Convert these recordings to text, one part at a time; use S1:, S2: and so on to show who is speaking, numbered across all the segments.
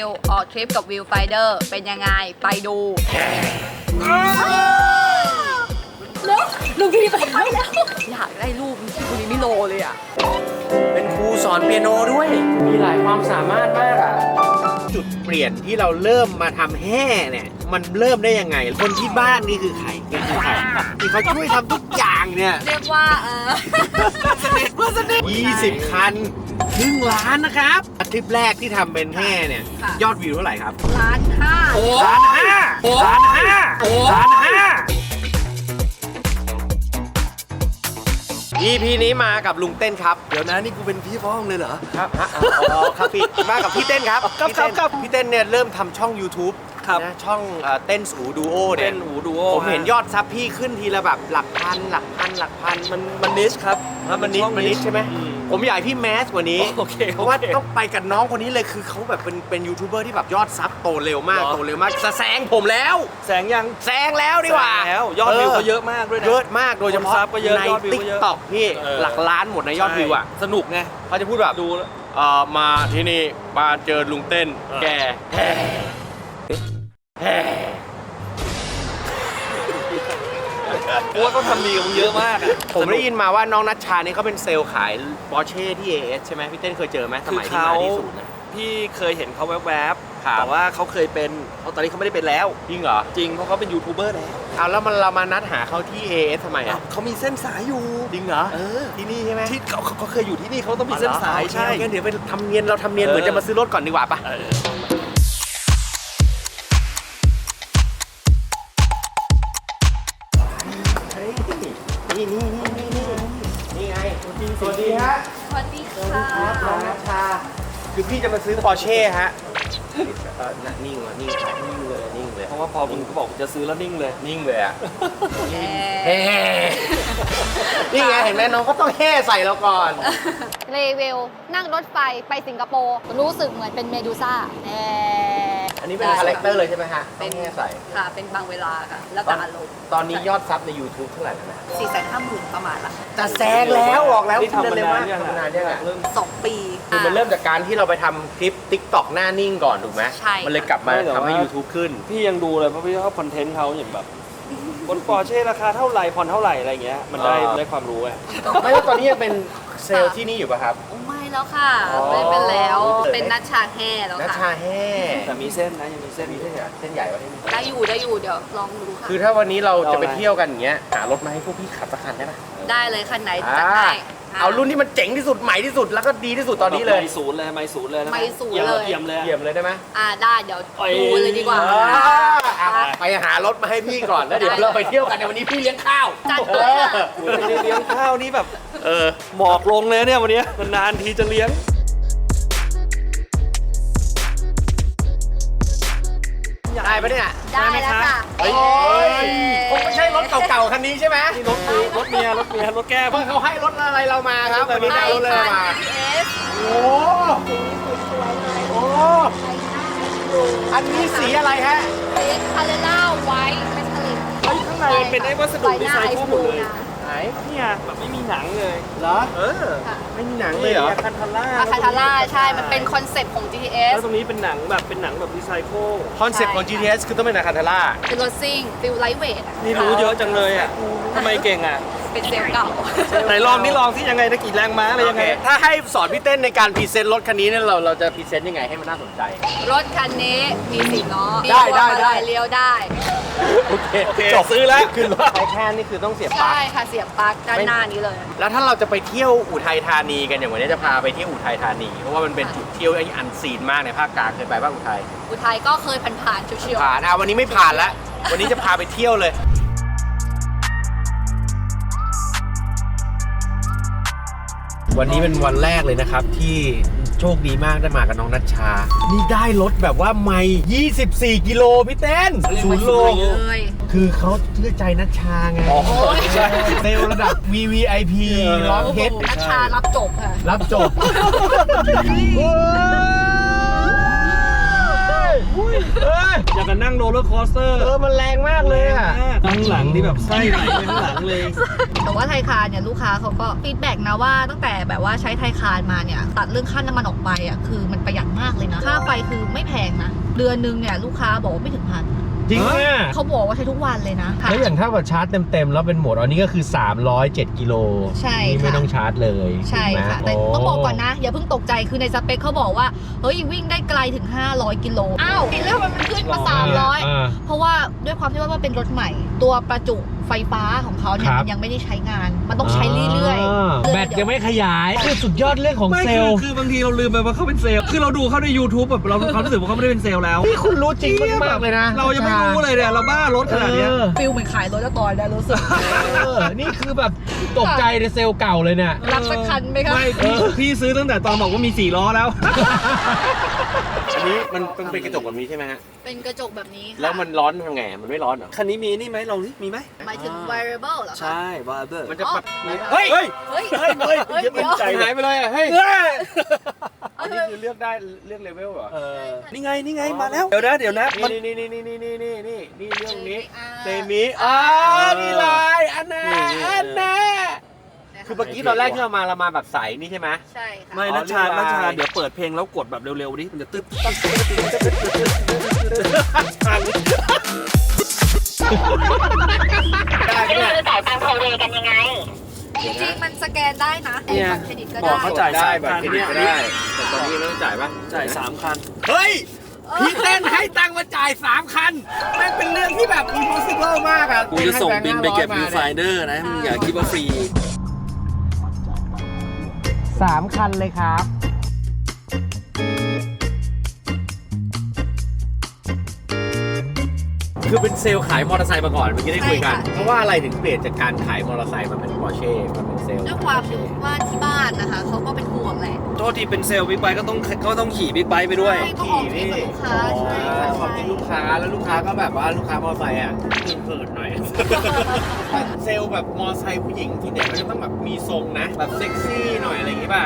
S1: วิวออกทริปกับวิวไฟเดอร์เป็นยังไงไปดูลูกพี่ไปแล้วอยากได้รูปที่คุณนิโรเลยอ่ะ
S2: เป็นครูสอนเปียโนด้วยมีหลายความสามารถมากอ่ะจุดเปลี่ยนที่เราเริ่มมาทำแห่เนี่ยมันเริ่มได้ยังไงคนที่บ้านนี่คือใครที่เขาช่วยทำทุกอย่างเนี่ย
S1: เรียกว่า
S2: 20 คันครึ่งล้านนะครับทริปแรกที่ทำเป็นแห่เนี่ยยอดวิวเท่าไหร่ครับ
S1: 1,500,000
S2: EP นี้มากับลุงเต้นครับ
S3: เดี๋ยวนะนี่กูเป็นพี่พ้องเลยเหรอ
S2: ครับครับพี่มากับพี่เต้นครับพี่เต้นเนี่ยเริ่มทำช่อง YouTube นะช่องเต้นอูดูโอเนี่ยผมเห็นยอดซับพี่ขึ้นทีละแบบหลักพัน
S3: มันนิชครับ
S2: มันนิชใช่ไหมผมอยากให้พี่แมสกว่านี้เพราะว่าต้องไปกับน้องคนนี้เลยคือเขาแบบเป็นยูทูบเบอร์ที่แบบยอดซับโตเร็วมากแซงผมแล้วแซงแล้วดีกว่า
S3: แล้วยอดวิวก็เยอะมากด้วยนะ
S2: เยอะมากโดยเฉพาะใน TikTok พี่หลักล้านหมดในยอดวิวอ่ะ
S3: สนุกไง
S2: เขาจะพูดแบบดูมาที่นี่มาเจอลุงเต้นแก
S3: กูว่าเขาทำดีกับมึงเยอะมากอ่ะ
S2: ผมได้ยินมาว่าน้องนัชชาเนี่ยเขาเป็นเซลล์ขายปอร์เช่ที่ AS ใช่ไหมพี่เต้นเคยเจอไหมสมัยที่มาที่ศูนย์
S3: พี่เคยเห็นเขาแวบๆแต่ว่าเขาเคยเป็นตอนนี้เขาไม่ได้เป็นแล้ว
S2: จริงเหรอ
S3: จริงเพราะเขาเป็นยูทูบเบอร์แล้ว
S2: เอาแล้วเรามานัดหาเขาที่ AS ทำไมอ่ะ
S3: เขามีเส้นสายอยู่
S2: จริงเหรอที่นี่ใช่ไหม
S3: ที่เขาเคยอยู่ที่นี่เขาต้องมีเส้นสายใช่
S2: งั้นเดี๋ยวไปทำเนียนเหมือนจะมาซื้อรถก่อนดีกว่าปะนี่ไงสวัสดีฮะ
S1: สวัสดีค่ะ
S2: น้องนัชชาคือพี่จะมาซื้อปอร์เช่ฮะนิ่งเลย
S3: เพราะว่าพอมึงก็บอกจะซื้อแล้วนิ่งเลย
S2: อ่ะนี่ไงเห็นไหมน้องก็ต้องแห่ใส่เราก่อน
S1: รีวิวนั่งรถไฟไปสิงคโปร์รู้สึกเหมือนเป็นเมดูซ่า
S2: อันนี้เป็นคาแรคเตอร์เลยใช่ไหมฮะ
S1: เป็นแห่ใส่ค่ะเป็นบางเวลาค่ะแล้วแต่อารมณ์
S2: ตอนนี้ยอดซับใน YouTube เท่าไหร่แล้วนะ
S1: 450,000ประมาณละ
S2: จะแซงแล้วออกแล้วทำเร็วมากนานยังอ่ะ
S1: 2 ปี
S2: คือมันเริ่มจากการที่เราไปทำคลิป TikTok หน้านิ่งก่อนถูกไหม
S1: ใช่
S2: มันเลยกลับมาทำให้ YouTube ขึ้น
S3: พี่ยังดูเลยเพราะพี่ชอบคอนเทนต์เขาอย่างแบบบนปอร์เช่ราคาเท่าไหร่ผ่อนเท่าไหร่อะไรเงี้ยมันได้ความรู้ไง
S2: ไม่ว่าตอนนี้ยังเป็นเซลล์ที่นี่อยู่ป่ะครับ
S1: ไม่แล้วค่ะไม่เป็นแล้วเป็นนัชชาแห่แล้วค่ะ
S2: นัชชาแห่
S3: แต่มีเส้นนะยังมีเส้น
S2: ใหญ่กว่าที่นี่
S1: ได้อยู่เดี๋ยวลองดูค่ะ
S2: คือถ้าวันนี้เราจะไปเที่ยวกันอย่างเงี้ยหารถมาให้พวกพี่ขับสักคันได้ไหม
S1: ได้เลยคันไหนจัดให้
S2: เอารุ่นที่มันเจ๋งที่สุดใหม่ที่สุดแล้วก็ดีที่สุดตอนนี้เลย
S3: ไม่ศูนย์เลย
S1: ไม่ศูนย์เลย
S3: เยี่ยม
S2: เลยได้ไหม
S1: ได้เดี๋ยวดูเลยดีกว่า
S2: ไปหารถมาให้พี่ก่อนแล้วเดี๋ยวเราไปเที่ยวกันในวันนี้พี่เลี้ยงข้าว
S1: จัดเลย
S3: เลี้ยงข้าวนี่แบบหมอกลงเลยเนี่ยวันนี้นานทีจะเลี้ยง
S2: ได้ปะเนี่ย
S1: ได้แล้วค่ะ
S2: คงไม่ใช่รถเก่าๆคันนี้ใช่ไหม
S3: นี่รถเมียรถแก้
S2: เขาให้รถอะไรเรามาครับวันนี้เอาเลยมาโอ้อันนี้สีอะไรฮะ
S1: สีคาเรล่าไวท์เมทัลลิก
S3: ข้างในเป็นไอ้วัสดุดีไซน์หมดเลยเนี่ยแบบไม่มีหนังเลย
S2: เหรอไม่มีหนังเลยเหรอ
S3: คาทา
S1: ร่าใช่มันเป็นคอนเซ็ปต์ของ GTS
S3: แล้วตรงนี้เป็นหนังแบบรีไซเคิล
S2: คอนเซ็ปต์ของ GTS คือต้องเป็นคาทาร่า
S1: เป็นรถซิ่งฟิลไลท์เวท
S3: นี่รู้เยอะจังเลยอ่ะทำไมเก่งอ่ะ
S1: เป็นเซลล์เก่า
S3: ไหนลองที่ยังไงนะกี่แรงม้าอะไรยังไง
S2: ถ้าให้สอนพี่เต้นในการพรีเซนต์รถคันนี้เนี่ยเราจะพรีเซนต์ยังไงให้มันน่าสนใจ
S1: รถคันนี้มี4 ล้อ
S2: ได้
S1: เลี้ยวได้
S3: โอเคจบซื้อแล้ว
S2: ขึ้นรถไอแคนนี่คือต้องเสียบปลั๊ก
S1: ใช่ค่ะเสียบปลั๊กด้านหน้านี้เลย
S2: แล้วถ้าเราจะไปเที่ยวอุทัยธานีกันอย่างวันนี้จะพาไปเที่ยวอุทัยธานีเพราะว่ามันเป็นจุดเที่ยวอันซีนมากในภาคกลางเคยไปบ้างอุ
S1: ทัยก็เคยผ่านๆชิว
S2: ๆผ่านวันนี้ไม่ผ่านแล้ววันนี้จะพาไปเที่ยวเลยวันนี้เป็นวันแรกเลยนะครับที่โชคดีมากได้มากับน้องนัชชานี่ได้รถแบบว่าไม่24 กิโลพี่เต้น0 โลคือเขาเชื่อใจนัชชาไงใช่เซลระดับ VVIP ร้องเพชร
S1: นัชชารับจบค่ะ
S2: รับจบ
S3: อย่างกันนั่งโรลเลอร์โคสเตอร์
S2: มันแรงมากเลยอ่ะ
S3: ข้างหลังนี่แบบไส้ไหลไปข้างหลังเลย
S1: แต่ว่าไทยคารเนี่ยลูกค้าเขาก็ฟีดแบ็กนะว่าตั้งแต่แบบว่าใช้ไทยคารมาเนี่ยตัดเรื่องค่าน้ำมันออกไปอ่ะคือมันประหยัดมากเลยนะค่าไฟคือไม่แพงนะเดือนนึงเนี่ยลูกค้าบอกว่าไม่ถึงพัน
S2: จริงอ่ะ
S1: เขาบอกว่าใช้ทุกวันเลยนะ
S2: แล้วอย่างถ้าแบบชาร์จเต็มๆแล้วเป็นโหมดอันนี้ก็คือ307กิโล
S1: ใช่
S2: นี่
S1: ค่ะ
S2: ไม่ต้องชาร์จเลย
S1: ใช่ค่ะ
S2: ถู
S1: แต่
S2: ไหม
S1: ต้องบอกก่อนนะอย่าเพิ่งตกใจคือในสเปคเขาบอกว่าเฮ้ยวิ่งได้ไกลถึง500กิโลอ้าวแล้วมันขึ้นมา300เพราะว่าด้วยความที่ว่าเป็นรถใหม่ ตัวประจุไฟฟ้าของเขาเนี่ยมันยังไม่ได้ใช้งานมันต้องใช้เรื่อยๆ
S2: แบตยังไม่ขยายคือสุดยอดเรื่องของเซลล์
S3: คือบางทีเราลืมไปว่าเขาเป็นเซลล์ คือเราดูเขาใน YouTube แบบเรารู้สึกว่าเขาไม่ได้เป็นเซลล์แล้ว
S2: นี่คุณรู้จริงมากๆเลยนะ
S3: เรายังไม่รู้เลยเนี่ยเราบ้ารถขนาดเนี้ย
S1: ฟิลเหมือนขายรถแล้วตอนได้รู้สึก
S2: นี่คือแบบตกใจในเซลล์เก่าเลยเนี่ย
S1: รับสักคันไหมคะ
S3: ไม่พี่ซื้อตั้งแต่ตอนบอกว่ามี4ล้อแล้ว
S2: อันนี้มันเป็นกระจกแบบนี้ใช่ไหมฮะ
S1: เป็นกระจกแบบนี้ค่ะ
S2: แล้วมันร้อนทำไงมันไม่ร้อนเหรอ
S3: คันนี้มีนี่ไหมลองสิมีไหม
S1: หมายถึง variable เหรอคะ
S3: ใช่บาร์เบอร์
S2: มันจะ
S1: อ๋อ
S2: ปัด
S3: เฮ้ย
S2: เฮ้ย
S1: เฮ้ย
S3: เฮ้ยเฮ้ย
S1: เฮ้ย
S3: เดี๋ยว
S1: เดี๋ยว
S3: ใจ
S2: หายไปเลยอ่ะเฮ้ย
S3: เฮ้ย
S2: อันนี้คือเลือกได้เลือกเลเวลเหรอ
S3: นี่ไงมาแล้ว เดี๋ยวนะมัน
S2: นี่เรื่องนี้
S1: อ่า
S2: เซมินี่ลายอันแน่อันแน่คือเมื่อกี้ตอนแรกที่เรามาแบบใสนี่ใช่ไหม
S1: ใช่ค่ะ
S3: ไม่นัชชาเดี๋ยวเปิดเพลงแล้วกดแบบเร็วๆดิมันจะตึ๊บ
S4: ไม่รู้จ่ายตังค์โทรเรกันยังไง
S1: จริงๆมันสแกนได้นะ
S3: เนี่ย
S1: เครดิตก็
S3: บอก
S1: ได้
S3: เขาจ่าย
S2: ได้
S3: 3
S2: แบบ
S3: คัน
S2: เครดิตก็ได้แต่ตอนนี้ไม่ต้องจ่ายป่ะ
S3: จ่าย3 คัน
S2: เฮ้ยพี่เต้นให้ตังค์มาจ่าย3 คันแม่งเป็นเรื่องที่แบบ impossible มากอ่ะ
S3: กูจะส่งบินไปเก็บวิวไฟเดอร์นะมึงอย่าคิดว่าฟรี
S2: 3 คันเลยครับ คือเป็นเซลล์ขายมอเตอร์ไซค์มาก่อนเมื่อกี้ได้คุยกัน เพราะว่าอะไรถึงเปลี่ยนจากการขายมอเตอร์ไซค์มาเป็นปอร์เช่มาเป็นเซลล์
S1: ด้วยความที่ว่าที่บ้านนะคะเขาก็เป็นห่วงแหละ
S3: โทษทีเป็นเซลล์บิ๊กไบค์ก็ต้องขี่บิ๊กไบค์ไปด้วย
S1: ใช่ต้องออกทริปกับลูกค้าใช่ค่ะ
S2: ขอบคุณลูกค้าแล้วลูกค้าก็แบบว่าลูกค้ามอเตอร์ไซค์อ่ะเขินๆหน่อย เซลล์แบบมอเตอร์ไซค์ผู้หญิงส่วนใหญ่มันจะต้องแบบมีทรงนะแบบเซ็กซี่หน่อยอะไรอย่างงี้ป่ะ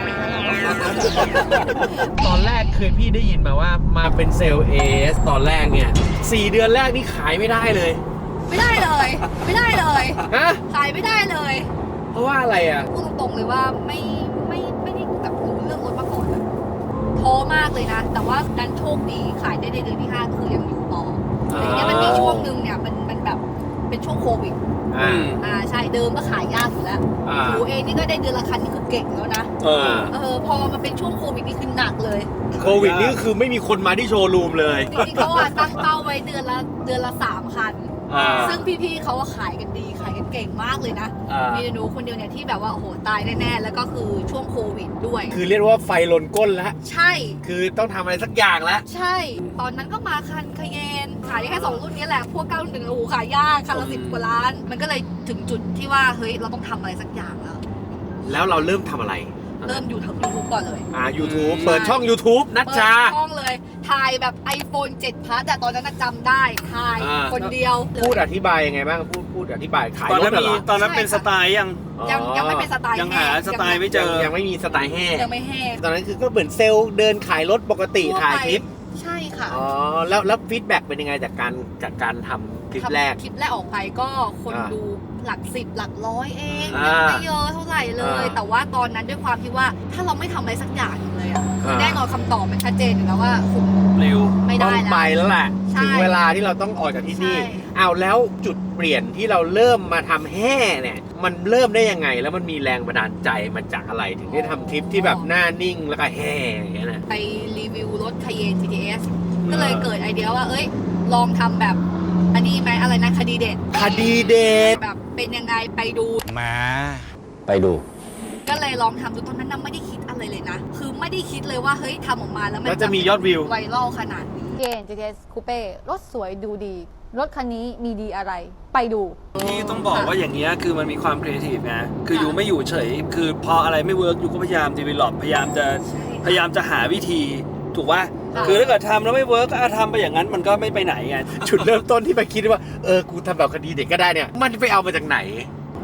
S2: ตอนแรกเคยพี่ได้ยินมาว่ามาเป็นเซลล์ AS ตอนแรกเนี่ย4 เดือนแรกนี่ขายไม่ได้เลย
S1: ไม่ได้เลยไม่ได้เลย
S2: ฮะ
S1: ขายไม่ได้เลย
S2: เพราะว่าอะไรอ่ะ
S1: พูดตรงๆเลยว่าไม่ได้แบบรู้เรื่องรถมาก่อนเลยท้อมากเลยนะ แต่ว่าดันโชคดีขายได้ในเดือนที่ 5 คือยังอยู่ต่อแต่ทีเนี้ยมันมีช่วงหนึ่งเนี่ยมันแบบเป็นช่วงโควิด ใช่เดิมก็ขายยากอยู่แล้วหนูเองนี่ก็ได้เดือนละคันนี่คือเก่งแล้วนะพอมาเป็นช่วงโควิดนี่คือหนักเลย
S2: โควิดนี่คือไม่มีคนมาที่โชว์รูมเลย
S1: จริงๆเขาตั้งเป้าไว้เดือนละ3 คัน ซึ่งพี่ๆเขาขายกันดีขายกันเก่งมากเลยนะมีหนูคนเดียวเนี่ยที่แบบว่าโอ้โหตายแน่ๆแล้วก็คือช่วงโควิดด้วย
S2: คือเรียกว่าไฟลนก้นแล้ว
S1: ใช่
S2: คือต้องทำอะไรสักอย่างแล้ว
S1: ใช่ ตอนนั้นก็มาคันคาเยนขายได้แค่2 รุ่นนี้แหละพวก911โอ้โหขายยากคันละ10 กว่าล้าน มันก็เลยถึงจุดที่ว่าเฮ้ยเราต้องทำอะไรสักอย่างแล้ว
S2: แล้วเราเริ่มทำอะไร
S1: เริ่มอยู่ทาง YouTube ก่อนเลย
S2: YouTube เปิดช่อง YouTube นัชชา
S1: เปิดช่องเลยถ่ายแบบ iPhone 7 Plus แต่ตอนนั้นน่ะจำได้ถ่ายคนเดียว
S2: พูดอธิบายยังไงบ้างพูดอธิบายขาย
S3: ตอน
S2: ร
S3: นั้
S2: ถ
S3: น
S2: เหรอ
S3: ตอนนั้นเป็นสไตล์ยัง
S1: ยังไม่เป็นสไตล์
S3: ยังหาสไตล์ไม่เจอ
S2: ยังไม่มีสไตล์แห้ง
S1: ยังไม่แห้ง
S2: ตอนนั้นคือก็เหมือนเซลล์เดินขายรถปกติถ่ายคลิป
S1: ใช่ค่ะ
S2: อ๋อแล้วฟีดแบ็กเป็นยังไงจากการทำคลิปแรก
S1: คลิปแรกออกไปก็คนดูหลัก10 หลักร้อยเอง
S2: อ่า
S1: ไม่เยอะเท่าไหร่เลย แต่ว่าตอนนั้นด้วยความที่ว่าถ้าเราไม่ทำอะไรสักอย่างเลยอะแน่นอนคำตอบมันชัดเจนอยู่แล้วว่าคุณ
S3: เร็ว
S1: ไม่
S2: ต้
S1: ได้
S2: อง
S1: แล้ว
S2: ไปแล้วแหละ
S1: ใช่
S2: ถึงเวลาที่เราต้องออกจากที่นี่
S1: ใช่
S2: เอาแล้วจุดเปลี่ยนที่เราเริ่มมาทำแห่เนี่ยมันเริ่มได้ยังไง แล้วมันมีแรงบันดาลใจมาจากอะไรถึงได้ทำคลิปที่แบบหน้านิ่งแล้วก็แห่อย่างเงี้ยนะ
S1: ไปรีวิวรถ Cayenne GTS ก็เลยเกิดไอเดียว่าเอ้ยลองทำแบบอันนี้ไหมอะไรนะคดีเด็ด
S2: คดีเด็ด
S1: แบบเป็นยังไงไปดู
S2: ไปดู
S1: ก็เลยลองทำดูตอนนั้นน่ะไม่ได้คิดอะไรเลยนะ คือไม่ได้คิดเลยว่าเฮ้ยทำออกมาแล้วมัน
S2: แล้วจะมียอดวิว
S1: ไวรัลขนาดนี้
S5: Cayenne GTS Coupe รถสวยดูดี รถคันนี้มีดีอะไร ไปดู
S3: ที่ต้องบอกว่าอย่างเงี้ยคือมันมีความครีเอทีฟนะคืออยู่ไม่อยู่เฉย คือพออะไรไม่เวิร์กอยู่ก็พยายามดีเวลลอปพยายามจะหาวิธีถูกป่ะ
S1: ค่ะ
S3: คือถ้าเกิดทำแล้วไม่เวิร์กก็ทำไปอย่างนั้นมันก็ไม่ไปไหนไง
S2: จุดเริ่มต้นที่มาคิดว่ากูทำแบบคดีเด็กก็ได้เนี่ยมันไปเอามาจากไหน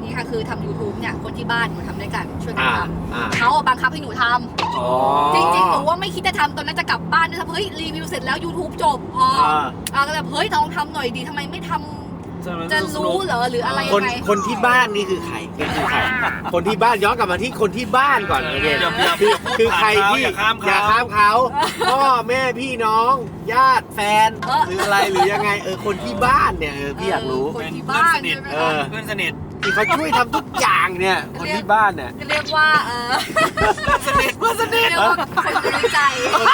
S1: นี่ค่ะคือทำ YouTube เนี่ยคนที่บ้านหนูทำด้วยกันช่วยกันท
S2: อ่า
S1: ำเขาบังคับให้หนูทำ
S3: อ๋อ
S1: จริงๆหนูว่าไม่คิดจะทำตอนนั้นจะกลับบ้านด้วยซ้ำเฮ้ยรีวิวเสร็จแล้ว YouTube จบพอก็แบบเฮ้ยลองทำหน่อยดีทำไมไม่ทำจะรู้เหรอหรืออะไร
S2: ค
S1: ยั
S2: น
S1: งไง
S2: คนที่บ้านนี่คือใครคือใคร คนที่บ้านย้อนกลับมาที่คนที่บ้านก่อนโอเคคือใครที่อย่าข้ามเขาพ่อแม่พี่น้องญาติแฟนหรืออะไรหรือยังไงคนที่บ้านเนี่ยพี่อยากรู้
S1: คนที่บ้านใช่ไหม
S2: เอ
S1: คะ
S2: อ
S3: เพื่อนสนิท
S2: ที่เขาช่วยทำทุกอย่างเนี่ยคนที่บ้านเนี่ย
S1: จะเรียกว่า
S3: เพื่อนสนิท
S1: เรียกว่าคนรู้ใจ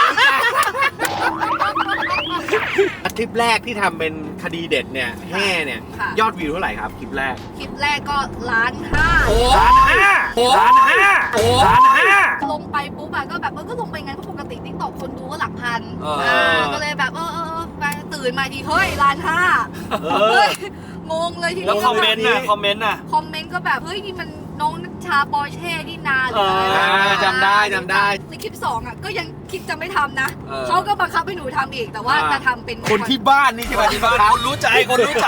S2: คลิปแรกที่ทำเป็นคดีเด็ดเนี่ยแห่เนี่ย
S1: ค่ะ
S2: ยอดวิวเท่าไหร่ครับคลิปแรก
S1: คลิปแรกก็1,500,000
S3: โอ้
S1: ลงไปปุ๊บอะก็แบบก็ลงไปงั้นเพราะปกติติ๊กต็อกคนดูก็หลักพัน ก็เลยแบบไปตื่นมาทีเฮ้ย1,500,000เฮ้ยงงเลยที
S3: แล้ว
S1: นี้
S3: คอมเมนต์น่ะ
S1: คอมเมนต์ก็แบบเฮ้ยนี่มันน้องนัชชาปอร์เช่นี่นาหรืออะไร
S2: จำได้
S1: ในคลิป2อะก็ยังคิดจะไม่ทำนะเขาก็บังคับให้หนูทำอีกแต่ว่าจะทำเป็น
S2: คนที่บ้านนี่ใช่ไหมที่บ้าน
S3: คนรู้ใจคนรู้ใจ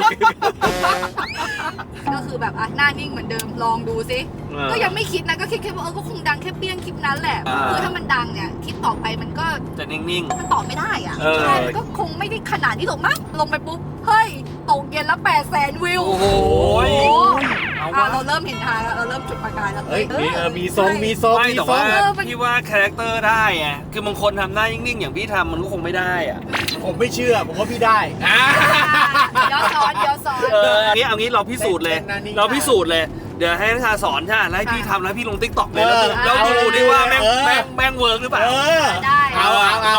S1: ก็คือแบบหน้านิ่งเหมือนเดิมลองดูซิก็ยังไม่คิดนะก็คิดแค่ว่าก็คงดังแค่เปี้ยงคลิปนั้นแหละคือถ้ามันดังเนี่ยคลิปต่อไปมันก็
S3: จะนิ่ง
S1: มันตอบไม่ได้อะใช่มันก็คงไม่ได้ขนาดนี้หรอกมั้งลงไปปุ๊บเฮ้ยตกเย็นละ800,000 วิว
S3: โอ้โห
S1: เอาเราเริ่มเห็นทางแล้วเราเริ่มจุดประกายแล้ว
S2: เฮ้ยมีทรงมีทรง
S3: ไม่
S2: มี
S3: แต่
S2: ทร
S3: ว่าง พี่ว่าคาแรคเตอร์ได้ไงคือบางคนทำหน้านิ่งๆอย่างพี่ทำมันก็คงไม่ได้อะ
S2: ผมไม่เชื่อผมว่าพี่ได้
S1: ย้อนสอน
S3: เอางี้เราพิสูจน์เลย เราพิสูจน์เลย เดี๋ยวให้นักชาสอนใช่ไหมแล้วให้พี่ทำแล้วให้พี่ลงติ๊กต็อกเลยแล้วดูดิว่าแม่งเวิร์กหรือเปล่า
S1: ได้
S2: เอา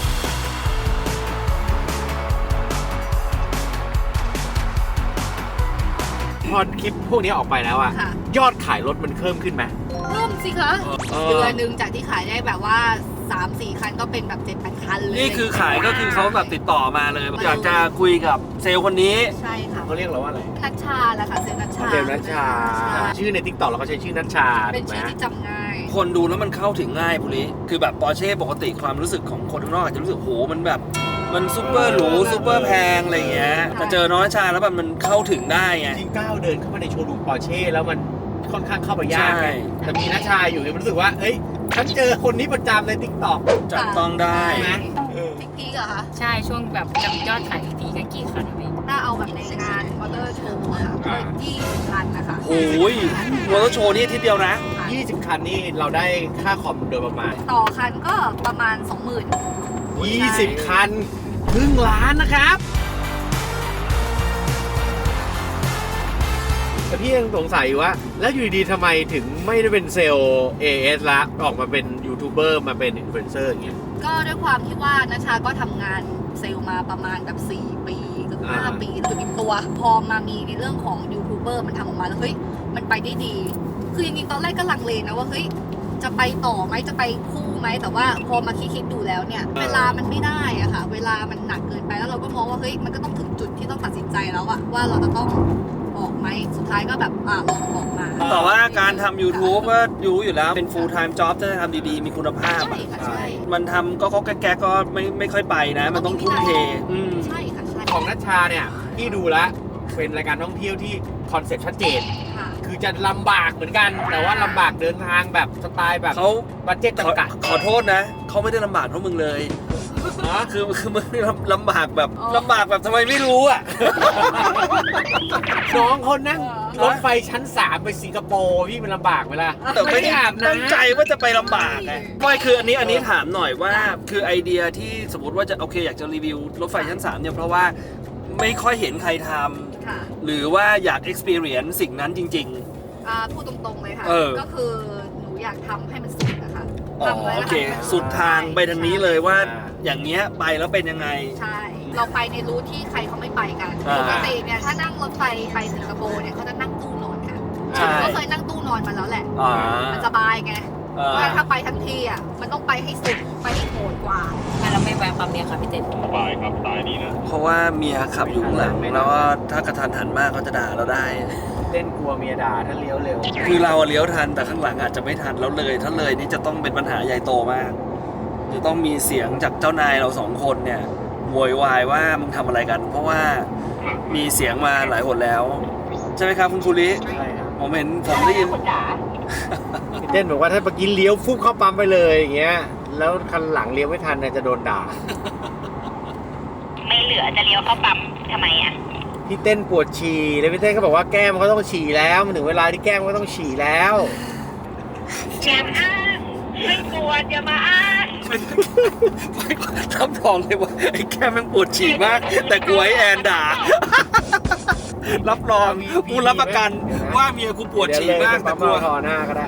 S2: พอคลิปพวกนี้ออกไปแล้วอะยอดขายรถมันเพิ่มขึ้นไหม
S1: เพิ่มสิคะเดือนหนึ่งจากที่ขายได้แบบว่า 3-4 คันก็เป็นแบบ 7,000 คันเลย
S3: นี่คือขายก็คือเขาแบบติดต่อมาเลยอยากจะคุยกับเซลล์คนนี้
S1: ใช่ค่ะ
S2: เขาเรียกเราว่าอะไร
S1: นัชชาแหละค่ะเซลล์นัชชา
S2: เซลล์นัชชาชื่อในทิกตอกเราก็ใช้ชื่อนัชชา
S1: เป็น
S2: ถูกไหม
S1: ชื่อที่จำง่าย
S3: คนดูแล้วมันเข้าถึงง่ายพวกนี้คือแบบปอร์เช่ปกติความรู้สึกของคนข้างนอกอาจจะรู้สึกโหมันแบบมันซูเปอร์หรูซูเปอร์แพงอะไรอย่างเงี้ยแต่เจอน้องนัชชาแล้วแบบมันเข้าถึงได้ไง
S2: จริงก้าวเดินเข้ามาในโชว์รูมปอร์เช่แล้วมันค่อนข้างเข้าไปยาก
S3: ใช่
S2: ไงแต่มีนัชชาอยู่เนี่ยมันรู้สึกว่าเอ้ยฉันเจอคนนี้ประจำในทิกตอก
S3: จับต้องได้
S2: ไหม
S1: พีกเหรอคะ
S6: ใช่ช่วงแบบจำยอดขายทีกันกี่คันอะพี่
S1: ถ้าเอาแบบในงานมอเตอร์โชว์อะค่ะก็20 คันนะคะ
S3: โอ้ยมอเตอร์โชว์นี่ทีเดียวนะ
S2: 20 คันนี่เราได้ค่าคอมโดยประมาณ
S1: ต่อคันก็ประมาณ 20,000
S2: 20 คันครึ่งล้านนะครับแต่พี่ยังสงสัยอยู่ว่า แล้วอยู่ดีๆทำไมถึงไม่ได้เป็นเซลล์ AS ละออกมาเป็นยูทูบเบอร์มาเป็นอินฟลูเอนเซอร์อย่างเงี้ย
S1: ก็ด้วยความที่ว่านัชชาก็ทำงานเซลล์มาประมาณแบบ4 ปีเกือบ5 ปีจุดอิ่มตัว พอมามีในเรื่องของยูทูบเบอร์มันทำออกมาแล้วเฮ้ยมันไปได้ดี คือจริงๆตอนแรกก็ลังเลนะว่าเฮ้ยจะไปต่อไหมจะไปคู่ไหมแต่ว่าพอมาคิดดูแล้วเนี่ยเวลามันไม่ได้อะค่ะเวลามันหนักเกินไปแล้วเราก็มองว่าเฮ้ยมันก็ต้องถึงจุดที่ต้องตัดสินใจแล้วอะว่าเราจะต้องออกไหมสุดท้ายก็แบบลองออกมา
S3: แต่ว่าการทำ YouTube ก็รู้อยู่แล้วเป็น full time job ถ้าจะทำดีๆ มีคุณภาพ
S1: ใช่ค่ะใช่
S3: มันทำก็แก๊กๆก็ไม่ค่อยไปนะ มันต้องทุ่มเทอืม
S1: ใช่ค่ะใช่
S2: ของนัชชาเนี่ยพี่ดูแล้วเป็นรายการท่องเที่ยวที่คอนเซ็ปต์ชัดเจน
S1: ค่ะ
S2: คือจะลำบากเหมือนกัน แต่ว่าลำบากเดินทางแบบสไตล์แบบ
S3: เขา
S2: บัดเจ็ตจำกัด
S3: ขอโทษนะ เขาไม่ได้ลำบากเท่ามึงเลย
S2: นะ
S3: คือมึงลำบากแบบลำบากแบบทำไมไม่รู้อ่ะ
S2: น้องเขานั่งรถไฟชั้น 3 ไปสิงคโปร์พี่มันลำบากไหมล่ะ
S3: แต่ไม่ได้
S2: อาบ
S3: ตั้ง
S2: น้ำ
S3: ใจว่าจะไปลำบากไงไม่คืออันนี้ถามหน่อยว่าคือไอเดียที่สมมติว่าจะโอเคอยากจะรีวิวรถไฟชั้น 3เนี่ยเพราะว่าไม่ค่อยเห็นใครทำ
S1: ค่ะ
S3: หรือว่าอยาก experience สิ่งนั้นจริง
S1: พูดตรงๆเลยค่ะ
S3: เออ
S1: ก็คือหนูอยากทำให้มันสุดนะคะ
S3: ๆอ๋อ
S1: ทำไว้
S3: โอ
S1: แล้ว
S3: เค
S1: ให้มัน
S3: สุดทางไปทางนี้เลยว่า
S2: อ่า
S3: อย่างเงี้ยไปแล้วเป็นยังไง
S1: ใช่ เราไปในรูทที่ใครเขาไม่ไปกัน
S3: อ่า
S1: ปกติเนี่ยถ้านั่งรถไฟไปสิงคโปร์เนี่ยเขาจะนั่งตู้นอนค่ะ
S3: ใช่
S1: ก็เคยนั่งตู้นอนมาแล้วแหละ
S3: อ่า
S1: มันสบายไง
S3: อ่า
S1: เพราะฉะนั้นถ้าไปทั้งทีอ่ะมันต้องไปให้สุดไปให้โหดกว่า
S6: ทำไมเราไม่แวะปั๊มเนี่ยค่ะพี่เต้น
S3: เพราะว่าเมียขับอยู่ข้างหลังแล้วก็ถ้ากระทันหันมากเขาจะด่าเราได้
S2: เล่นกลัวเมียด่าถ้าเลี้ยวเร็ว
S3: คือเราอะเลี้ยวทันแต่ข้างหลังอาจจะไม่ทันแล้วเลยถ้าเลยนี่จะต้องเป็นปัญหาใหญ่โตมากจะต้องมีเสียงจากเจ้านายเรา2 คนเนี่ยโวยวายว่ามึงทำอะไรกัน เพราะว่ามีเสียงมาหลายหนแล้ว ใช่ไหมครับคุณภูริ
S2: ใช่ครับ
S3: ผมเห็นผมได้ยิน
S4: คุณจ๋า
S2: พี่เต้นบอกว่าถ้าเมื่อกี้เลี้ยวฟุบเข้าปั๊มไปเลยอย่างเงี้ยแล้วคันหลังเลี้ยวไม่ทันเนี่ยจะโดนด่า
S4: ไม่เหลือจะเลี้ยวเข้าปั๊มทำไมอ่ะ
S2: พี่เต้นปวดฉี่แล้วพี่เต้นก็บอกว่าแก้มเขาต้องฉี่แล้วมันถึงเวลาที่แก้มก็ต้องฉี่แล้ว
S4: อย่าอ้างไม่ปวดอย่ามาอ้าง
S3: รับรองเลยว่าไอ้แก้มแม่งปวดฉี่มาก แต่กลัวไอ้แอนด่า รับรองกูรับประกันว่าเมียกูปวดฉี่มากแต่กลัว
S2: ทอหน้าก็ได้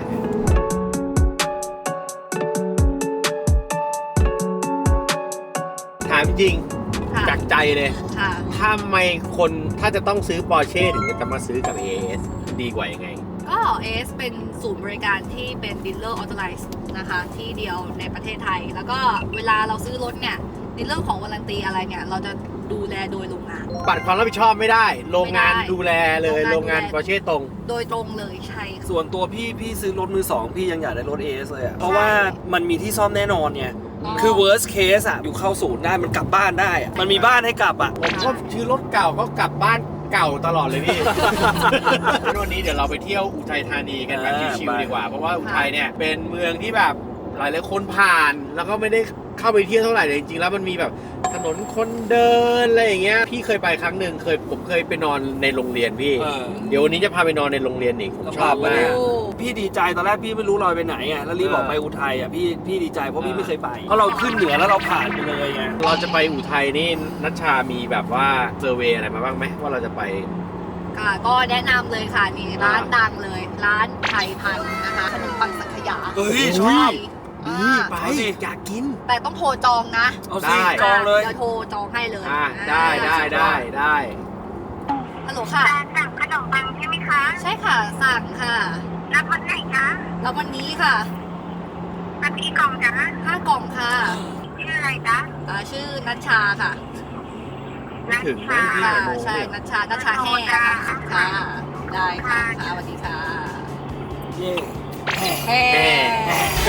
S2: ถามจริง
S1: ค่ะ
S2: จากใจเลย
S1: ค่ะ
S2: ทำไมคนถ้าจะต้องซื้อปอร์เช่ถึงจะมาซื้อกับ AS ดีกว่ายังไง
S1: ก็เอสเป็นศูนย์บริการที่เป็นดีลเลอร์ออโตไ z ซ์นะคะที่เดียวในประเทศไทย แล้วก็เวลาเราซื้อรถเนี่ยในเรื่องของวารันตีอะไรเนี่ยเราจะดูแลโดยโรงงาน
S2: ปัดความรับผิดชอบไม่ได้ โรงงาน
S1: ไม่ได้
S2: ดูแลเลย
S1: โร
S2: โรง งาน
S1: งานดูแล
S2: ปอร์เช่ตรง
S1: โดยตรงเลยใช่ค่ะ
S3: ส่วนตัวพี่ซื้อรถมือสองพี่ยังอยากได้รถ AS เลยอะเพราะว่ามันมีที่ซ่อมแน่นอนไง
S1: อ๋อ
S3: คือ worst case อะอยู่เข้าศูนย์ได้มันกลับบ้านได้อะมันมีบ้านให้กลับอะ
S2: ผมก็ซื้อรถเก่าก็กลับบ้านเก่าตลอดเลยพี่ วันนี้เดี๋ยวเราไปเที่ยวอุทัยธานีกันแบบชิวๆดีกว่า เพราะว่าอุทัยเนี่ยเป็นเมืองที่แบบหลายๆคนผ่าน แล้วก็ไม่ได้เข้าไปเที่ยวเท่าไหร่แต่จริงๆแล้วมันมีแบบถนนคนเดินอะไรอย่างเงี้ยพี่เคยไปครั้งหนึ่งผมเคยไปนอนในโรงเรียนพี่ เดี๋ยววันนี้จะพาไปนอนในโรงเรียนอีกผมชอบมาก
S1: โอ้
S3: พี่ดีใจตอนแรกพี่ไม่รู้เราไปไหนอ่ะแล้วรีบบอกไปอุทัยอ่ะพี่ดีใจเพราะพี่ไม่เคยไปเพราะเราขึ้นเหนือแล้วเราผ่านไปเลยไง
S2: เราจะไปอุทัยนี่นัชชามีแบบว่าเซอร์เวย์อะไรมาบ้างไหมว่าเราจะไป
S1: ค่ะก็แนะนำเลยค่ะนี่ร้านดังเลย ร้านไทยพันธุ์นะคะขนมปังสังขยา
S3: เฮ้ยช
S2: อุ้
S3: อย บ
S1: อ่า
S2: ไป
S3: เอาสิ
S2: อยากกิน
S1: แต่ต้องโทรจองนะ
S3: เอา
S2: ได้
S3: สิจองเลย
S1: เดี๋ยวโทรจองให้เลย
S2: ได้
S1: ฮัลโหลค่ะ
S4: สั่งขนมปังใช่ไหมคะ
S1: ใช่ค่ะสั่งค่ะ
S4: รับวันไหนคะ
S1: แล้ววันนี้ค่ะ
S4: รับกี่กล่องจ๊ะ
S1: 5 กล่องค่ะ
S4: ชื่ออะไรจ๊ะ
S1: ชื่อนัชชาค่ะ
S2: ไม่ถึง
S4: นัชชา
S1: ค่ะใช่นัชชาแห้ค่ะค่ะ ได้ค่ะค่ะสวัสดีค่ะ
S3: เย่
S1: แห้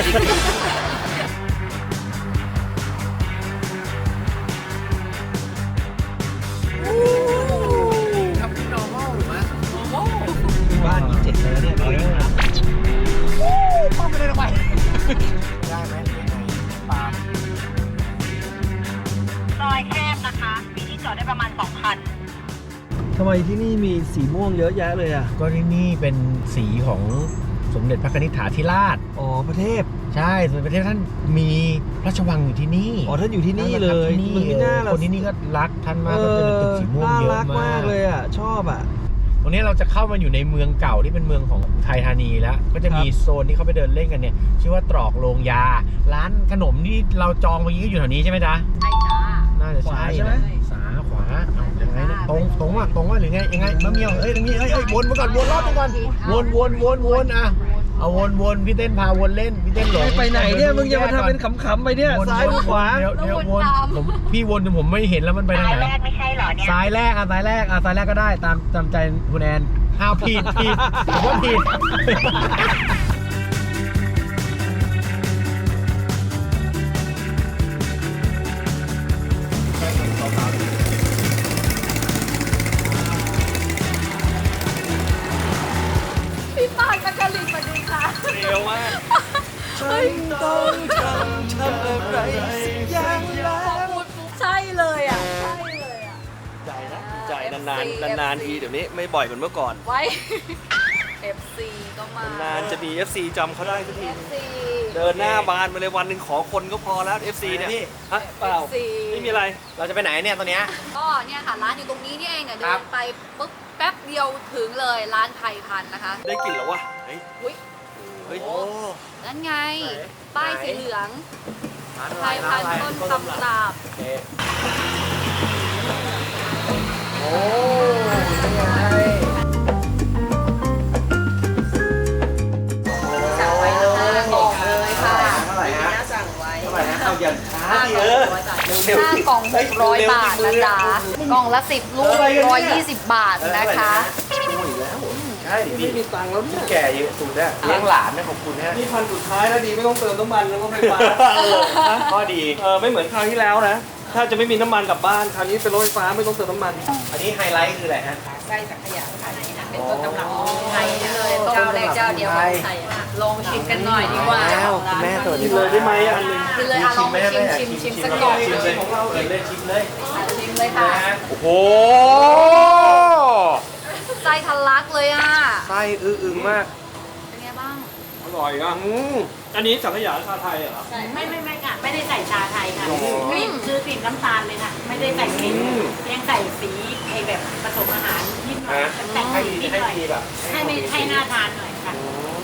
S2: ทำที่ normal หรือมั้ย
S3: บ้านมี7เลยเนี่ย
S2: ป้องไปเลยทำไมได้ไหมหรือยังไงปาล์ม
S4: ซอยแคบนะคะ มีที่จอดได้ประมาณ2 คัน
S3: ทำไมที่นี่มีสีม่วงเยอะแยะเลยอ่ะ
S2: ก็ที่นี่เป็นสีของสมเด็จพระนิธิฐาธิราช
S3: อ๋อประเทศ
S2: ใช่สมเด็จพระเทพท่านมีพระราชวังอยู่ที่นี่
S3: อ๋อท่านอยู่ที่นี่เลย
S2: ที่นี่
S3: มันไม่น่าล่ะ
S2: คนที่นี่ก็รักท่านมากก็จะเป็นตึกสีม่วงเยอะ
S3: น่ารัก
S2: มาม
S3: าก กเลยอ่ะ ชอบอ่ะ
S2: วันนี้เราจะเข้ามาอยู่ในเมืองเก่าที่เป็นเมืองของอุทัยธานีแล้ว ก็จะมีโซนที่เขาไปเดินเล่นกันเนี่ยชื่อว่าตรอกโรงยา ร้านขนมที่เราจองเมื่อกี้ก็อยู่แถวนี้ใช่ไหมจ๊ะ
S1: ใช่จ้า
S2: น่าจะใช่
S3: ขวาใช่ไหม
S2: สาขวาเอายังไงเนี่ยตรงว่าหรือไงยังไงมะเมียวตรงนี้วนมาก่อนวนรอบมาก่อนวนอ่ะเอาวนพี่เต้นพาวนเล่นพี่เต้นหลง
S3: ไปไหนเนี่ยมึงจะมาทำเป็นขำๆไปเนี่ย
S2: วน
S3: ซ้ายหรือขวา
S2: เดี๋ยววนพี่วนจนผมไม่เห็นแล้วมันไปทาง
S4: สาย
S2: ไหน
S4: แรกไม่ใช่เหรอเนี่ย
S2: ซ้ายแรกก็ได้ตามใจคุณแอนอ้าวผิดผมว่าผิด
S1: พี่ปานกัจลินสวัสดีค่ะ
S3: เร็วมากฉันต้องทำอะไรสักอย่างแล้ว
S1: ใช่เลยอ่ะ ใช่เลยอ่ะ
S3: ใจนะใจนานทีเดี๋ยวนี้ไม่บ่อยเหมือนเมื่อก่อน
S1: ไว้ FC ก็มาน
S3: านจะมี FC จำเขาได้สักที
S1: FC
S3: เดินหน้าบานไปเลยวันหนึ่งขอคนก็พอแล้ว FC เนี่ยฮะเปล่า
S1: FC
S3: ไม่มีอะไร
S2: เราจะไปไหนเนี่ยตอนเนี้ย
S1: ก็เนี่ยค่ะร้านอยู่ตรงนี้นี่เองเนี่ย
S2: ค
S1: เดิ
S2: รับ
S1: นไปปุ๊บแป๊บเดียวถึงเลยร้านไทยพันธุ์นะคะ
S3: ได้กลิ่นแล้ววะเฮ้ย
S1: อุ้ย
S3: เฮ้ย
S1: นั่นไง
S3: ไหน
S1: ป้ายสีเหลือง
S3: ร้านอะ
S1: ไท
S3: ไร
S1: ย
S3: ร้า
S1: พั
S3: น
S1: น
S3: อะไร
S1: ธุ์ต้นตำราบ
S2: โอ้นี่ไง
S1: สั่งไว้เลยบอกเลยค่ะ
S2: เท่าไหร่ฮะ
S6: สั่งไว้
S2: เท่าไหร่ฮะเอาอย่างช้าดิ
S1: 5 กล่อง600 บาทนะจ๊ะกล่องละ10 ลูก120 บาทนะคะ
S2: ใช่
S3: ไม่มีตังค์แล้วเนี่ย
S2: แก่เยอะสุดเนี่ยเลี้ยงหลานนะขอบคุณฮะ
S3: นี่พันสุดท้ายแล้วดีไม่ต้องเติมน้ำมันแล้วก็ไฟฟ้า
S2: ข้อดี
S3: ไม่เหมือนคราวที่แล้วนะ ถ้าจะไม่มีน้ำมันกลับบ้านคราวนี้เป็นรถไฟฟ้าไม่ต้องเติมน้ำมัน
S2: อันนี้ไฮไลท์คืออะไรฮะ
S6: ไส้สังขยาไทยนะเป็นต้นตำรับของไทยเลยเจ้าแรกเจ้าเดียวของไทยลองชิมกันหน่อยดีกว่า
S2: แล้วคุณแม่สวัสดี
S3: เลยได้ไหมอันนึง
S1: กินเลยอ่ะลองชิมสักก่อน
S2: ชิมเลยของเราเลยชิมเลย
S1: ชิมเลยค่ะ
S2: โอ้โห
S1: ไส้ทะลักเลยอ่ะ
S2: ไส้อึ้งมาก
S1: เป็นไงบ้าง
S3: อร่อยอ่ะอันนี้สังขยาชาไทยเหรอ
S7: ไม่ค่ะ ไม่ได้ใส่ชาไทยค่ะกลิ่นคือกลิ่นน้ำตาลเลยค่ะ ไม่ได้ใส่กลิ่นยังใส่สีไอแบบผสมอาหารนิดหน่อยแต่ง
S2: ให้
S7: นิดหน่อย
S2: ดีแบบ
S7: ให้น่าทานหน่อยค่ะ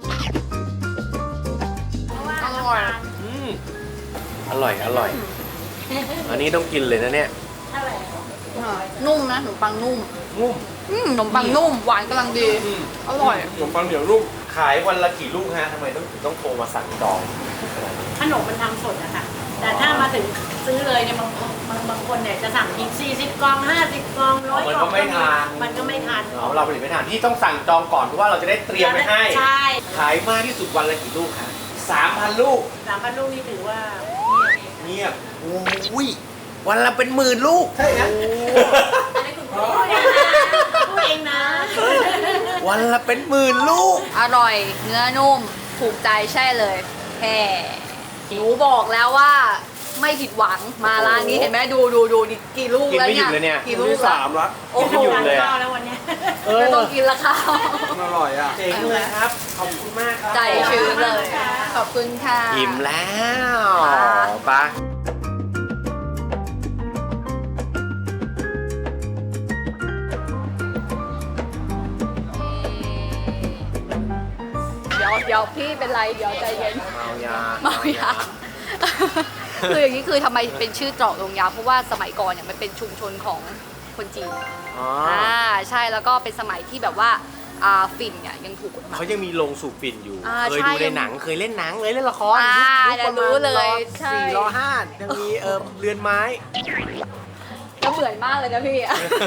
S7: เพราะว่าน้ำตาล
S2: อร่อย อันนี้ต้องกินเลยนะเนี่ย
S7: เท่าไหร่
S1: นุ่มนะขนมปังนุ่ม
S2: นุ่ม
S1: ขนมปังนุ่มหวานกำลังดี อร่อย
S2: ขนมปังเหนียวลูกขายวันละกี่ลูกฮะทำไมต้องโทรมาสั่งจอง
S7: ขนมมันทำสดอะค่ะ แต่ถ้ามาถึงซื้อเลยเนี่ยบางคนเนี่ยจะสั่งที40 กล่อง 50 กล่อง 100 กล่อง
S2: มันก็ไม่ทาน
S7: มันก็ไม่ทาน
S2: เราผลิตไม่ทันที่ต้องสั่งจองก่อนเพราะว่าเราจะได้เตรียมไว้ให้
S7: ใช่
S2: ขายมากที่สุดวันละกี่ลูกฮะ3,000 ลูก
S7: 3,000 ลูกนี่ถือว่า
S2: เงียบอุ้ยวันละเป็น10,000 ลูกใช่นะ
S7: พูดเองนะ
S2: วันละเป็น10,000 ลูก
S1: อร่อยเนื้อนุ่มถูกใจใช่เลยแค่หนูบอกแล้วว่าไม่ผิดหวังมาร้านนี้เห็นไหมดูดิกี่ลูก
S2: กิน
S1: แล้ว
S2: ไม่หยุ
S1: เนี่ย
S2: ดเลยเนี่ย
S1: กี่ลูกแล้ว
S3: 3ละ
S1: โอ้โห
S2: กินไม่หยุดเลย
S7: ข้าวแล้ววันเนี้ย
S1: ไม่ต้องกินละค่ะ
S3: อร่อยอ่ะ
S2: เจ๋งเลยครับ ขอบคุณมากครับ
S1: ใจชื้นเลย ขอบคุณค่ะ
S2: อิ่มแล้ว
S1: ค่ะ
S2: ไปะ
S1: เดี๋ยวพี่เป็นไรเดี๋ยวใจเย็น
S2: เมายา
S1: เมายา คืออย่างนี้คือทำไมเป็นชื่อตรอกโรงยาเพราะว่าสมัยก่อนเนี่ยมันเป็นชุมชนของคนจีน
S2: อ๋อ
S1: ใช่แล้วก็เป็นสมัยที่แบบว่าฝิ่นเนี่ยยังถูกกฎหมาย
S2: เขายังมีโรงสูบฝิ่นอยู่ เคย
S1: ใช่
S2: ดูในหนัง เคยเล่นหนังเลยเล่นละคร
S1: เดี๋ยวรู้เลยใช่
S2: 4 5ยังมีเรือนไม้
S1: ก็เหมือนมากเลยนะพี่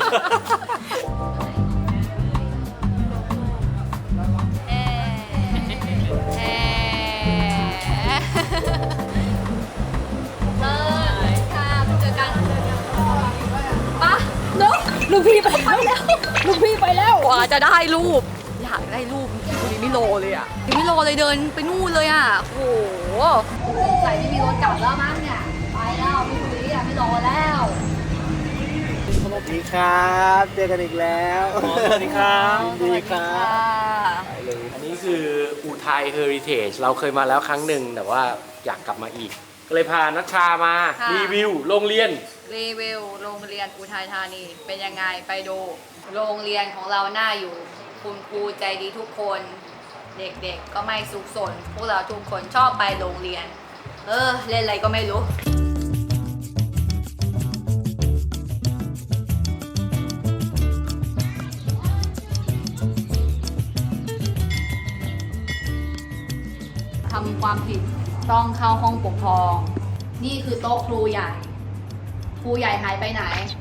S1: ค่ะเจอกันปะเนาะลูกพี่ไปแล้วลูกพี่ไปแล้วกว่าจะได้รูป อยากได้รูปคุณไม่รอเลยอ่ะยังไม่รอเลยเดินไปนู่นเลยอ่ะโอ้โหใส่ไม่มีรถกลับแล้วมั้งเนี่ยไปแล้วพี่คุยอ่ะไม่รอแล้ว
S2: สวัสดีครับ เจอกันอีกแล้ว
S3: สวัสดีครับ
S2: ดีครับไปเลยอันนี้คืออุทัยเฮอริเทจเราเคยมาแล้วครั้งหนึ่งแต่ว่าอยากกลับมาอีก ก็เลยพานัชชามา
S1: ค่ะ
S2: รีวิวโรงเรียน
S1: รีวิวโรงเรียนอุทัยธานีเป็นยังไงไปดูโรงเรียนของเราหน้าอยู่คุณครูใจดีทุกคน เด็กๆก็ไม่สุขสนพวกเราทุกคนชอบไปโรงเรียน เล่นอะไรก็ไม่รู้ทำความผิดต้องเข้าห้องปกครอง นี่คือโต๊ะครูใหญ่ ครูใหญ่หายไปไหน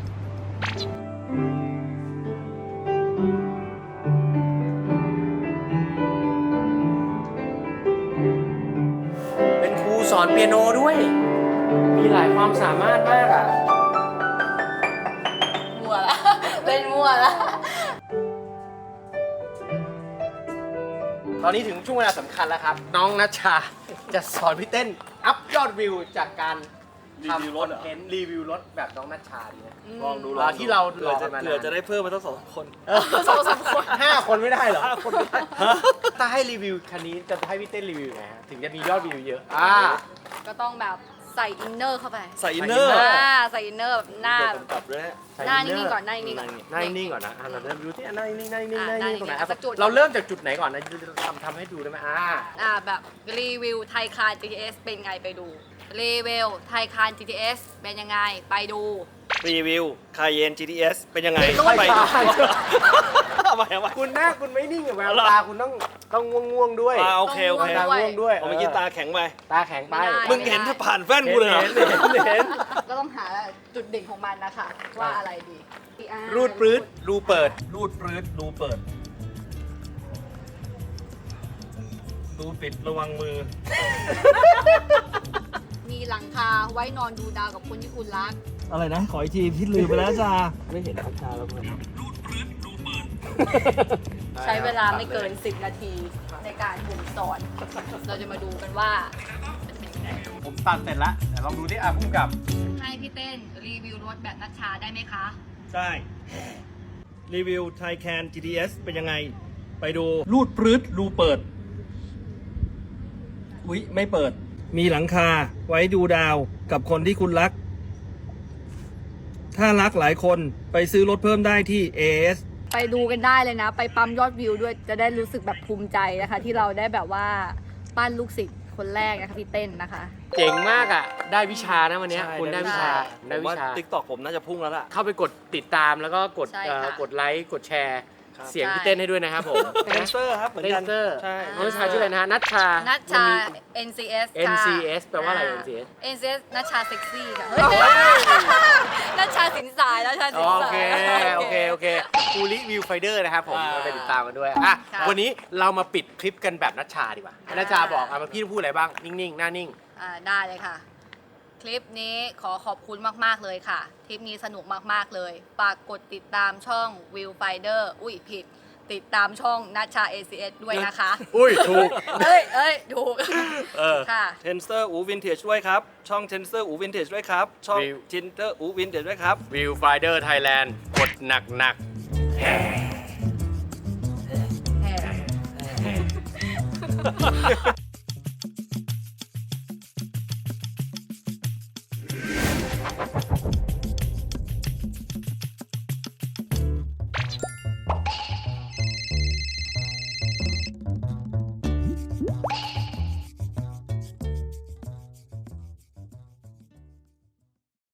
S2: เป็นครูสอนเปียโนด้วย มีหลายความสามารถมากอ่ะ
S1: มั่วละ เป็นมั่วละ
S2: ตอนนี้ถึงช่วงเวลาสำคัญแล้วครับ น้องนัชชาจะสอนพี่เต้นอัพยอดวิวจากการทำคอนเทนต์รีวิวรถแบบน้องนัชชาดีนะ
S3: ลองดู
S2: ที่เรา
S3: เผื่อจะได้เพิ่มมาตั้ง2 คน
S2: 2-3 คน5 คนไม่ได้เหรอ5 คนไม่ได้ถ้าให้รีวิวคันนี้จะให้พี่เต้นรีวิวไงฮะถึงจะมียอดวิวเยอะ
S1: ก็ต้องแบบใส่อินเนอร์เข้าไป
S3: ใส่อินเนอร์
S1: ใส่อินเนอร์แบบหน้า
S3: ผมกลับด้วยฮะ
S1: หน้านิ่งๆก่อนหน้านิ่งๆก่อน
S2: หน้านิ่งๆก่อนนะเราเริ่มดูที่หน้านิ่งๆหน้านิ่งๆหน้านิ่งๆตรงไหน
S1: สักจุด
S2: เราเริ่มจากจุดไหนก่อนนะทำให้ดูได้ไหม
S1: แบบรีวิวไทยคาร์ GTS เป็นไงไปดูรีวิวไทยคาร์ GTS เป็นยังไงไปดู
S3: รีวิวคาเยน GTS เป็นยังไง
S2: ไม่
S3: ดู
S2: ใช่
S3: ทำไม
S2: คุณหน้าคุณไม่นิ่งกับแววตาคุณต้องง่วงๆด้วย
S3: โอเค
S2: ตาง่วงด้วย
S3: ผมเมื่อกี้ตาแข็งไป
S2: ตาแข็งไป
S3: มึงเห็นถ้าผ่านแว่นกูเลยเหรอ
S2: เห็น
S1: ก็ต้องหาจุดเด่นของมันนะคะว่าอะไรดี
S2: รูดปรื้ดรูเปิด
S3: รูดปรื้ดรูเปิดรูปิดระวังมือ
S1: มีหลังคาไว้นอนดูดาวกับคนที่คุณรัก
S3: อะไรนะ ขออีกทีพี่ลืมไปแล้วจ้าไม่เห็นชาแล้วเพื่อนรูดปรื้ดรูเปิด
S1: ใช้เวลาไม่เกิน 10 นาทีในการบ่มสอน เราจะมาดูกันว่า
S2: ผมตัดเสร็จแล้วแต่ลองดูที่พุ่มกับ
S1: ให้พี่เต้นรีวิวรถแบบนัชชาได้ไหมคะ
S3: ได้ รีวิวไทยแคน GTS เป็นยังไง ไปดูรูดปรื้ดรูเปิด อุ๊ย ไม่เปิด มีหลังคาไว้ดูดาวกับคนที่คุณรัก ถ้ารักหลายคนไปซื้อรถเพิ่มได้ที่ AS
S1: ไปดูกันได้เลยนะ ไปปั๊มยอดวิวด้วยจะได้รู้สึกแบบภูมิใจนะคะ ที่เราได้แบบว่าปั้นลูกศิษย์คนแรกนะคะพี่เต้นนะคะ
S2: เจ๋งมากอ่ะ ได้วิชานะวันเนี้ยคุณได้วิชา ได้วิชา
S3: ติ๊กตอกผมน่าจะพุ่งแล้วล่ะ
S2: เข้าไปกดติดตามแล้วก็กด
S1: ใช่ค่ะ
S2: กดไลค์กดแชร์
S3: ครับ
S2: เสียงพี่เต้นให้ด้วยนะครับผม
S3: เดนเซอร์ครับเหมือน
S2: เด
S3: กัน
S2: นเซอร์
S3: ใช่
S2: น้องนัชชาชื่ออะไรนะฮะนัชชา
S1: นัชชา
S2: มันมี
S1: NCS ค่ะ
S2: NCS แปลว่าอะไร NCS
S1: NCS นัชชาเซ็กซี่ค่ะเฮ้ยนัชชาสินสายนัชชาสิน
S2: โอ
S1: สาย
S2: เค โอเคภูริวิวไฟเดอร์นะครับผม
S3: อ่า
S2: ไปติดตามกันด้วยอ่ะ
S1: ค่ะ
S2: วันนี้เรามาปิดคลิปกันแบบนัชชาดีกว่านัชชาบอกอ่ะพี่พูดอะไรบ้าง นิ่งๆ หน้านิ่ง
S1: ได้เลยค่ะ คลิปนี้ขอขอบคุณมากๆเลยค่ะ คลิปนี้สนุกมากๆเลยฝากกดติดตามช่อง Viewfinder อุ้ยผิด ติดตามช่องนัชชา ACS ด้วยนะคะ
S2: อุ้ย ถูก
S1: เอ้ยถูก ค่ะ
S3: เทนเซอร์อูวินเทจด้วยครับ ช่องเทนเซอร์อูวินเทจด้วยครับ ช่อง
S2: View
S3: เทนเซอร์อูวินเทจด้วยครับ
S2: วิวไฟเดอร์ไทยแลนด์กดหนักๆ